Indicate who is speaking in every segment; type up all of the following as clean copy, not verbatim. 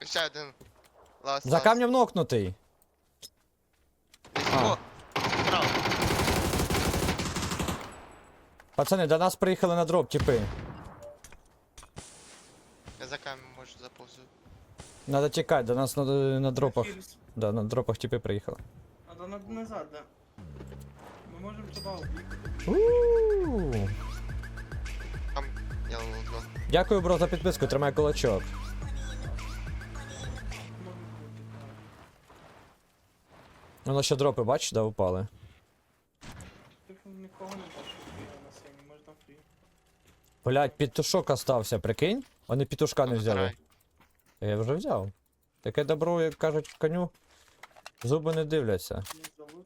Speaker 1: Ще один. Ласт,
Speaker 2: За камнем нокнутий.
Speaker 1: О, справа.
Speaker 2: Пацани, до нас приїхали на дроп, типи.
Speaker 1: Я за камінь можу заповзу.
Speaker 2: Надо тікати, до нас на дропах.
Speaker 3: Фільс.
Speaker 2: Да, на дропах типи приїхали.
Speaker 3: А то назад, да. Ми можемо туди об'їхати.
Speaker 2: У-у-у.
Speaker 1: Там я ловлю.
Speaker 2: Дякую, бро, за підписку, тримай кулачок.
Speaker 3: Може бути,
Speaker 2: Воно ще дропи, бачиш, да, упали.
Speaker 3: так. Ти нікого не бачив на сцені, можна фрі.
Speaker 2: Блять, петушок остався, прикинь? Вони петушка не взяли.
Speaker 1: Забирай.
Speaker 2: Я вже взяв. Таке добро, як кажуть, коню. Зуби не дивляться.
Speaker 3: Не зовут.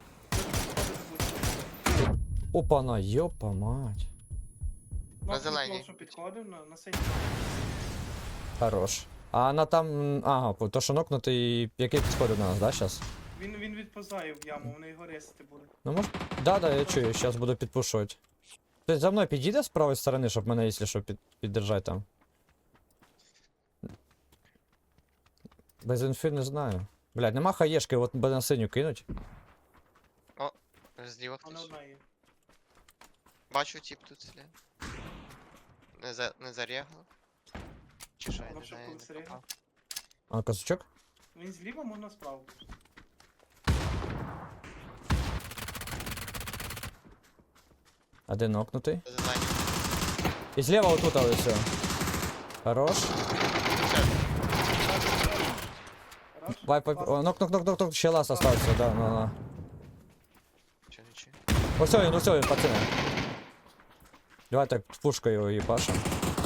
Speaker 2: Опана, йопа мать.
Speaker 1: На зеленій.
Speaker 3: Що підходив на сцені.
Speaker 2: Хорош. А вона там. Ага, то що нокнутий, який підходить на нас, да, щас?
Speaker 3: Він відповзає в яму, вони його ресити будуть.
Speaker 2: Ну може. Да, я чую, щас буду підпушувати. Ти за мною підійде з правої сторони, щоб мене, якщо що, піддержати там. Без інфи не знаю. Блядь, нема хаєшки, от би на синю кинуть.
Speaker 1: Зліва
Speaker 3: А не
Speaker 1: хтось.
Speaker 3: одна є.
Speaker 1: Бачу, тип тут стріляє. Не зарягало. Чи що, я
Speaker 3: Воно
Speaker 1: не
Speaker 3: що,
Speaker 1: знаю, я
Speaker 3: коли
Speaker 1: не
Speaker 3: зарягало?
Speaker 1: попав.
Speaker 2: А козачок?
Speaker 3: Він зліва, можна справа.
Speaker 2: Один нокнутий.
Speaker 1: Зелені.
Speaker 2: І зліва отут, але все. Хорош.
Speaker 1: Ще.
Speaker 3: Раз.
Speaker 2: О, нок, ще лас остався, да, на.
Speaker 1: Чи.
Speaker 2: Ось він, пацани. Давай так пушкою їбашим.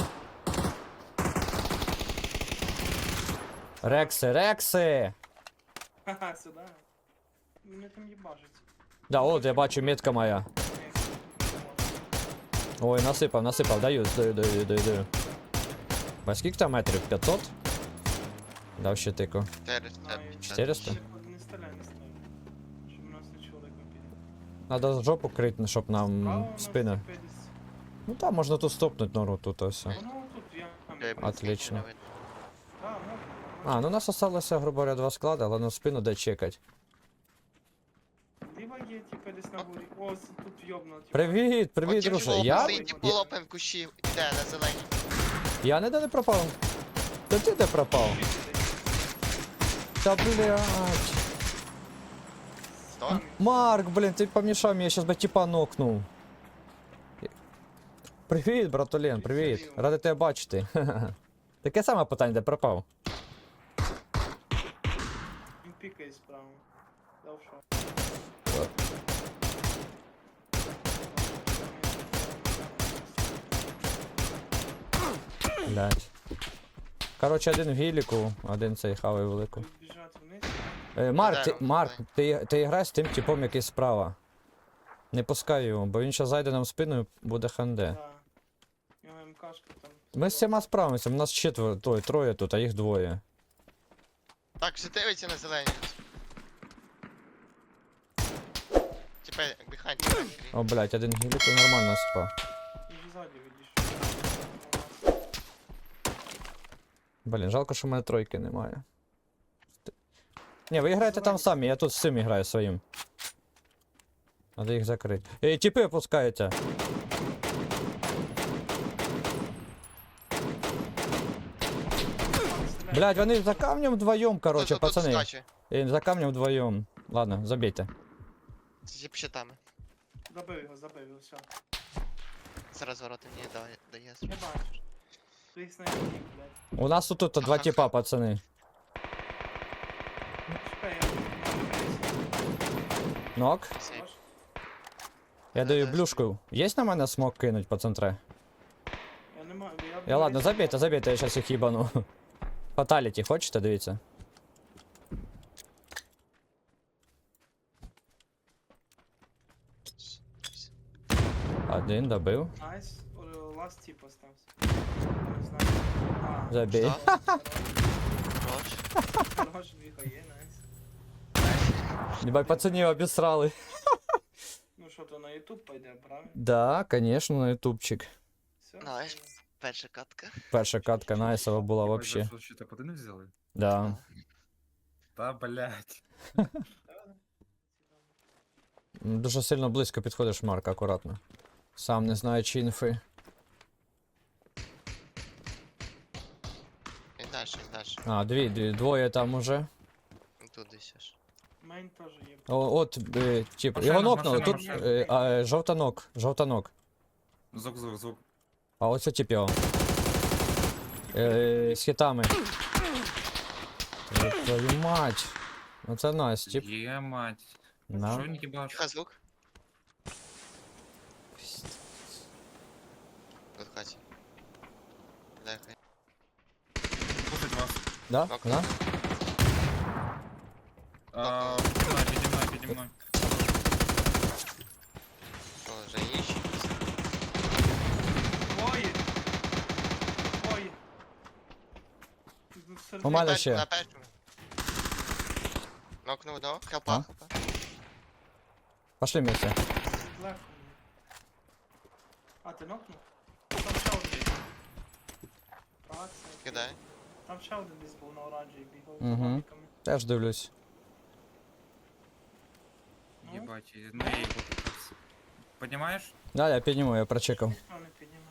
Speaker 2: Рекси!
Speaker 3: Ха-ха, сюди. Мене там їбажить.
Speaker 2: Да, от я бачу, метка моя. Ой, насипав, даю. Ба скільки там метрів? 500? Дав ще тику. 400?
Speaker 3: Не стріляй. Щоб нас не чоловіком піде.
Speaker 2: Надо жопу крити, щоб
Speaker 3: Справа у
Speaker 2: нам
Speaker 3: нас
Speaker 2: спина.
Speaker 3: типи десь.
Speaker 2: Ну там можна тут стопнуть нору, тут ось.
Speaker 3: Воно тут в ямі.
Speaker 2: Отлично.
Speaker 3: Так, можна.
Speaker 2: А, ну у нас осталося, грубо говоря, 2 склади, але на спину де чекать.
Speaker 3: Ліва є, типу, десь на горі. О, тут вйобно. типу.
Speaker 2: Привіт, друже. Я
Speaker 1: Полопаємо кущі, іде на зелені.
Speaker 2: ніде не пропав. Та ти де пропав? Та блядь.
Speaker 1: Сто?
Speaker 2: Марк, блін, ти помішав мені, я щас би тіпа нокнув. Привіт, братолен, привіт. Радий тебе бачити. Таке саме питання, де пропав.
Speaker 3: Він пікає справа. Дав що.
Speaker 2: Блядь. Коротше, один в гіліку, один цей хавий велику.
Speaker 3: Біжать вниз.
Speaker 2: Марк, ти грай з тим типом, який справа. Не пускай його, бо він щас зайде нам в спину і буде ханде.
Speaker 3: Так. У нього МКшка там.
Speaker 2: Ми з всіма справимося, у нас троє тут, а їх двоє.
Speaker 1: Так, вже дивиться на зелені. Типа, behind.
Speaker 2: О, блядь, один в гіліку нормально спав.
Speaker 3: І вже ззаді відійшов.
Speaker 2: Блін, жалко, що в мене тройки немає. Ні, ви граєте там самі, я тут з цим граю своїм. Надо їх закрити. Ей, тіпи опускаються. Блядь, вони за камнем вдвоєм, короче, пацани. За камнем вдвоєм. Ладно, забейте.
Speaker 1: Тип щитами.
Speaker 3: Забив його, все.
Speaker 1: З розворота мені дає.
Speaker 3: Я бачу. Ти їх снайпер, блядь.
Speaker 2: У нас тут два типа, пацани.
Speaker 3: Чекай,
Speaker 2: Нок.
Speaker 1: Сейф.
Speaker 2: Я даю блюшку. Є на мене смок кинуть по центрі?
Speaker 3: я не маю.
Speaker 2: Я ладно, забейте, я щас їх їбану. Фаталіті, хочете, дивіться? Один добив.
Speaker 3: Найс. Ласт тип остався. Не знаю. А,
Speaker 2: Забей.
Speaker 1: Що? Хорош.
Speaker 3: Хорош, двіха є, найс.
Speaker 2: Ебать, пацанів обісрали.
Speaker 3: Ну що, то на YouTube пойде, правильно?
Speaker 2: Да, конечно, на ютубчик.
Speaker 3: Все.
Speaker 1: Найс. Перша катка.
Speaker 2: Перша катка найсова була вообще.
Speaker 4: Що, що топ-1 взяли?
Speaker 2: Да.
Speaker 4: Та, блядь.
Speaker 2: Дуже сильно близько підходиш, Марк, акуратно. Сам не знаючи інфи.
Speaker 1: І дальше, і дальше.
Speaker 2: А, двоє там уже.
Speaker 1: Тут десь аж.
Speaker 3: Мейн теж є.
Speaker 2: От, тип,
Speaker 4: Машина,
Speaker 2: його нокнули,
Speaker 4: машина,
Speaker 2: тут
Speaker 3: машина.
Speaker 2: жовта нок.
Speaker 4: Звук.
Speaker 2: А оце тип його. З хітами. Твою мать. Ну це найс, тип.
Speaker 4: Є, мать.
Speaker 2: На.
Speaker 4: Що він їбаш?
Speaker 1: Тихо звук. Тут хаті. Дай хай.
Speaker 4: Слушать вас.
Speaker 2: Да?
Speaker 1: Нок.
Speaker 2: Да?
Speaker 4: Піді мною.
Speaker 1: Що, вже інші?
Speaker 3: Двоє. Двоє.
Speaker 2: У мене ще.
Speaker 1: На першому. Нокнув одного. Хелпа,
Speaker 2: А?
Speaker 1: хелпа.
Speaker 2: Пошли вместе.
Speaker 3: Легко мені. А, ти нокнув? Там ще один. Так, це.
Speaker 1: Кидай.
Speaker 3: Там ще один десь був на оранжевій бігав з
Speaker 2: Мгм.
Speaker 3: бабіками.
Speaker 2: Теж дивлюсь.
Speaker 3: Ну,
Speaker 4: Єбать, ну я його якраз. Піднімаєш?
Speaker 2: Да, я підніму, я прочекав.
Speaker 3: ніхто не підніме.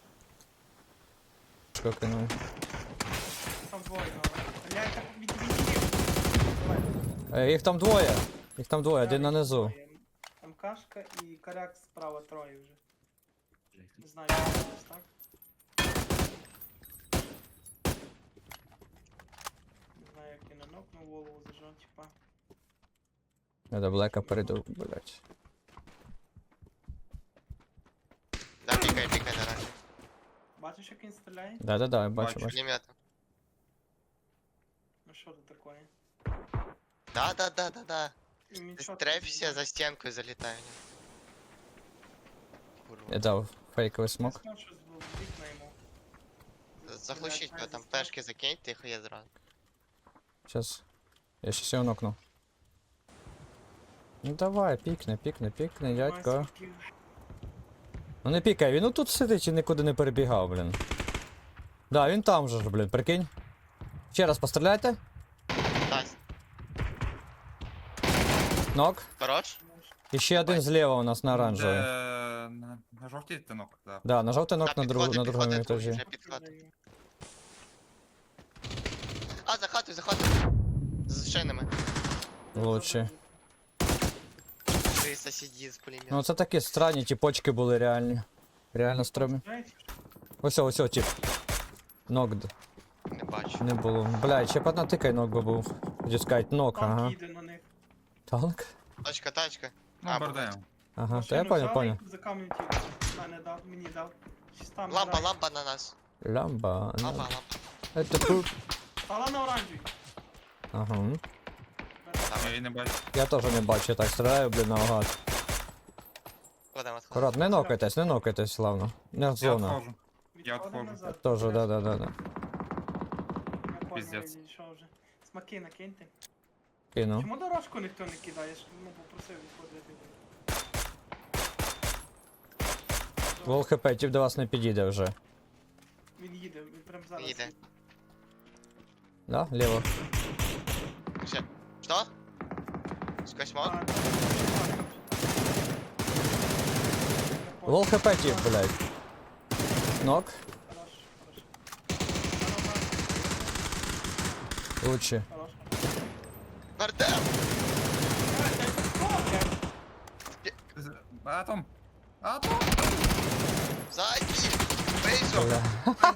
Speaker 2: Скокнув.
Speaker 3: Там двоє на оранжевій. Я так відійду.
Speaker 2: Їх там двоє. Їх там двоє, один нанизу.
Speaker 3: МКшка і коряк справа троє вже. Не знаю, як це десь, так? Не знаю, як я на нокнув голову зажав, типа.
Speaker 2: Я до Блека перейду, блять.
Speaker 1: Да, пікай на рані.
Speaker 3: Бачиш, як він стріляє?
Speaker 2: Да, я бачу,
Speaker 4: Бачу.
Speaker 2: бачу.
Speaker 1: Пулемет.
Speaker 3: Ну що це таке?
Speaker 1: Да.
Speaker 3: І він чітко
Speaker 1: Стрейфся
Speaker 3: стріляє.
Speaker 1: за стінку і залітає в нього.
Speaker 2: Я
Speaker 1: Курва.
Speaker 2: дав фейковий
Speaker 3: Я
Speaker 2: смок.
Speaker 3: знав, що було вікна йому.
Speaker 1: Заглушіть його, там пешки закинь, тихо є зразу.
Speaker 2: Сейчас. Я щас його нокну. Ну давай, пікни, дядько.
Speaker 3: Немає смоків.
Speaker 2: Ну не пікай, він тут сидить і нікуди не перебігав, блін. Да, він там же ж, блін, прикинь. Ще раз постріляйте.
Speaker 1: Тась.
Speaker 2: Нок.
Speaker 1: Хорош?
Speaker 2: І ще один зліва у нас на оранжевій.
Speaker 4: На жовтій тинок, да.
Speaker 2: Да, на жовтий нок
Speaker 1: Да,
Speaker 2: на другому
Speaker 1: підходить,
Speaker 2: етажі.
Speaker 1: вже підходить. А, за хатою. За шинами.
Speaker 2: Лучше.
Speaker 1: Криса сидить з пулеметом.
Speaker 2: Ну це такі странні тіпочки були реальні. Реально стрьомі. Ось, тип. Нок
Speaker 1: Не бачу.
Speaker 2: не було. Бля, ще б одна тикай нок би був. Хотів сказати нок,
Speaker 3: Танк
Speaker 2: ага.
Speaker 3: їде на них.
Speaker 2: Танк?
Speaker 1: Тачка.
Speaker 4: Ну,
Speaker 1: А,
Speaker 4: бардаємо.
Speaker 2: Ага, та
Speaker 3: Машину
Speaker 2: я
Speaker 3: взяли,
Speaker 2: понял.
Speaker 3: За камінь тільки. Мене дав, мені дав. Щось там
Speaker 1: Лампа
Speaker 3: грає.
Speaker 1: на нас.
Speaker 2: Ламба.
Speaker 1: Лампа.
Speaker 2: Это тут.
Speaker 3: Стала на оранжевій.
Speaker 2: Ага.
Speaker 4: Я її не бачу.
Speaker 2: Я теж не бачу, я так стріляю, блін, наугад.
Speaker 1: Кладемо відходимо.
Speaker 2: Аккурат, не нокайтесь, славно. Не
Speaker 4: Я
Speaker 2: зона.
Speaker 4: відходжу.
Speaker 3: Відходимо
Speaker 4: відходжу.
Speaker 3: назад.
Speaker 2: Тоже, да.
Speaker 3: Я понял,
Speaker 4: Пиздец.
Speaker 3: я відійшов вже. Смаки накиньте.
Speaker 2: Кину.
Speaker 3: Чому дорожку ніхто не кидає? Я ж попросив відходити.
Speaker 2: Вол хп, тип до вас не підійде вже.
Speaker 3: Він їде, він прям зараз.
Speaker 1: Їде.
Speaker 2: Да? Ліво.
Speaker 1: Ще. Що? Сквозь мод?
Speaker 2: Вол хп, тип, блядь. Нок. Лучше.
Speaker 1: Бардем!
Speaker 4: Атом!
Speaker 1: Задній! Вийшов!
Speaker 2: Бля.